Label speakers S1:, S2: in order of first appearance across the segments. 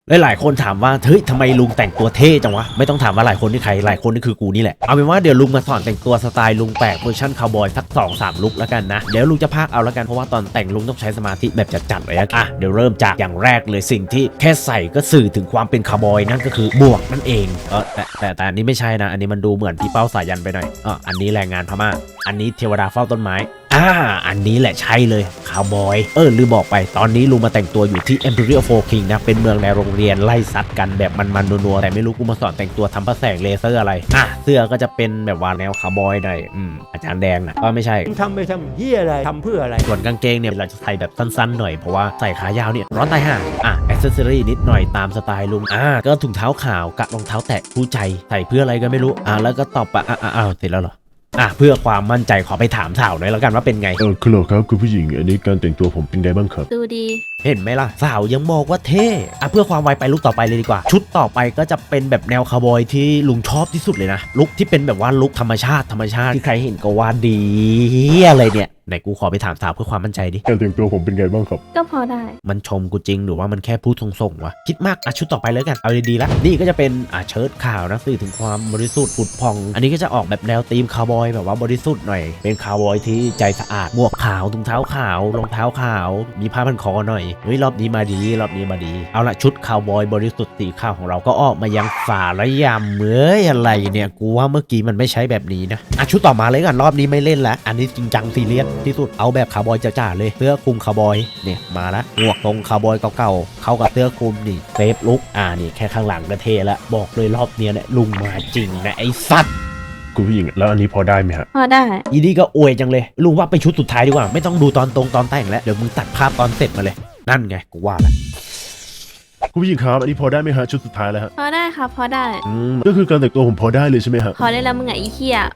S1: หลายคนถามว่าเฮ้ยทำไมลุงแต่งตัวเท่จังวะไม่ต้องถามว่าหลายคนนี่ใครหลายคนนี่คือกูนี่แหละเอาเป็นว่าเดี๋ยวลุงมาสอนแต่งตัวสไตล์ลุงแปลกเวอร์ชันคาวบอยสัก 2-3 ลุคแล้วกันนะเดี๋ยวลุงจะพากเอาแล้วกันเพราะว่าตอนแต่งลุงต้องใช้สมาธิแบบจัดๆเลยเดี๋ยวเริ่มจากอย่างแรกเลยสิ่งที่แค่ใส่ก็สื่อถึงความเป็นคาวบอยนั่นก็คือบวกนั่นเองแต่อันนี้ไม่ใช่นะอันนี้มันดูเหมือนพี่เป้าสายันไปหน่อยอันนี้แรงงานพม่าอันนี้เทวดาเฝ้าต้นไม้อันนี้แหละใช่เลยคาวบอยลืมบอกไปตอนนี้ลุงมาแต่งตัวอยู่ที่ Imperial Four King นะเป็นเมืองในโรงเรียนไล่ซัดกันแบบมันๆนัวๆแต่ไม่รู้กูมาสอนแต่งตัวทำพระแสงเลเซอร์อะไรเสื้อก็จะเป็นแบบว่าแนวคาวบอยหน่อยอาจารย์แดงนะก็ไม่ใช่
S2: ทำไปทำเหี้ยอะไรทำเพื่ออะไร
S1: ส่วนกางเกงเนี่ยเราจะใส่แบบสั้นๆหน่อยเพราะว่าใส่ขายาวเนี่ยร้อนตายห่าแอคเซสซอรี่นิดหน่อยตามสไตล์ลุงก็ถุงเท้าขาวกับรองเท้าแตะคู่ใจใส่เพื่ออะไรก็ไม่รู้แล้วก็ตอบเสร็จแล้วเหรอเพื่อความมั่นใจขอไปถามสาวหน่อยแล้วกันว่าเป็นไง
S3: คุณหลอครับคุณผู้หญิงอันนี้การแต่งตัวผมเป็นไงบ้างครับ
S4: ดูดี
S1: เห็นไหมล่ะสาวยังบอกว่าเท่เพื่อความไวไปลุคต่อไปเลยดีกว่าชุดต่อไปก็จะเป็นแบบแนวคาวบอยที่ลุงชอบที่สุดเลยนะลุคที่เป็นแบบว่าลุคธรรมชาติที่ใครเห็นก็ว่าดีอะไรเนี่ยไหนกูขอไปถามสาวเพื่อความมั่นใจดิ
S3: การแต่งตัวผมเป็นไงบ้างครับ
S4: ก็พอได้
S1: มันชมกูจริงหรือว่ามันแค่พูดส่งวะคิดมากชุดต่อไปเลยกันเอาดีๆละนี่ก็จะเป็นเชิ้ตขาวนะสื่อถึงความบริสุทธิ์ผุดพองอันนี้ก็จะออกแบบแนวธีมคาวบอยแบบว่าบริสุทธิ์หน่อยเป็นคาวบอยที่ใจสะอาดหมวกขาวถุงเท้าขาวรองเท้าขาวมีผ้าพันคอหน่อยเฮ้ยรอบนี้มาดีเอาละชุดคาวบอยบริสุทธิ์สีขาวของเราก็ออกมายังฝ่าระยำอะไรเนี่ยกูว่าเมื่อกี้มันไม่ใช่แบบนี้นะชุดต่อมาเลยกันรอบนี้ไม่เล่นแล้วอันนี้จริงจังซีเรียสที่สุดเอาแบบคาวบอยจ๋าๆเลยเสื้อคลุมคาวบอยเนี่ยมาละหมวกตรงคาวบอยเก่าๆเข้ากับเสื้อคลุมนี่เซฟลุกนี่แค่ข้างหลังก็เท่ละบอกเลยรอบเนี้ยเนี่ยลุงมาจริงนะไอ้สัตว์
S3: คุณผู้หญิงแล้วอันนี้พอได้ไหมฮะ
S4: พอได้
S1: อีนี่ก็อวยจังเลยลุงว่าไปชุดสุดท้ายดีกว่าไม่ต้องดูตอนแต่งแล้วเดี๋ยวมึงตัดภาพตอนเสร็จมาเลยนั่นไงกูว่าละ
S3: คุณผู้หญิงครับอันนี้พอได้ไหมฮะชุดสุดท้ายแล้วฮะ
S4: พอได้ครับพอได้
S3: ก็คือการแต่งตัวผมพอได้เลยใช่ไหมฮะ
S4: พอได้แล้วมึงไอ้เหี้ย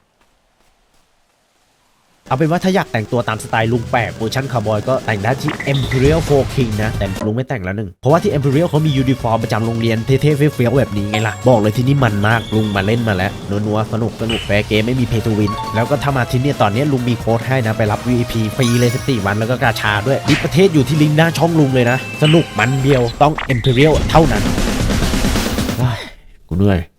S1: เอาเป็นว่าถ้าอยากแต่งตัวตามสไตล์ลุงแปะเวอร์ชันคาวบอยก็แต่งได้ที่ Imperial Four King นะแต่ลุงไม่แต่งแล้วหนึ่งเพราะว่าที่ Imperial เขามียูนิฟอร์มประจำโรงเรียนเท่ๆเฟี้ยวๆแบบนี้ไงล่ะบอกเลยที่นี่มันมากลุงมาเล่นมาแล้วนัวๆสนุกแฟร์เกมไม่มีเพย์ทูวินแล้วก็ถ้ามาที่นี่ตอนนี้ลุงมีโค้ดให้นะไปรับ VIP ฟรีเลย14 วันแล้วก็กาชาด้วยดิประเทศอยู่ที่ลิงก์หน้าช่องลุงเลยนะสนุกมันเดียวต้อง Imperial เท่านั้นกูเหนื่อย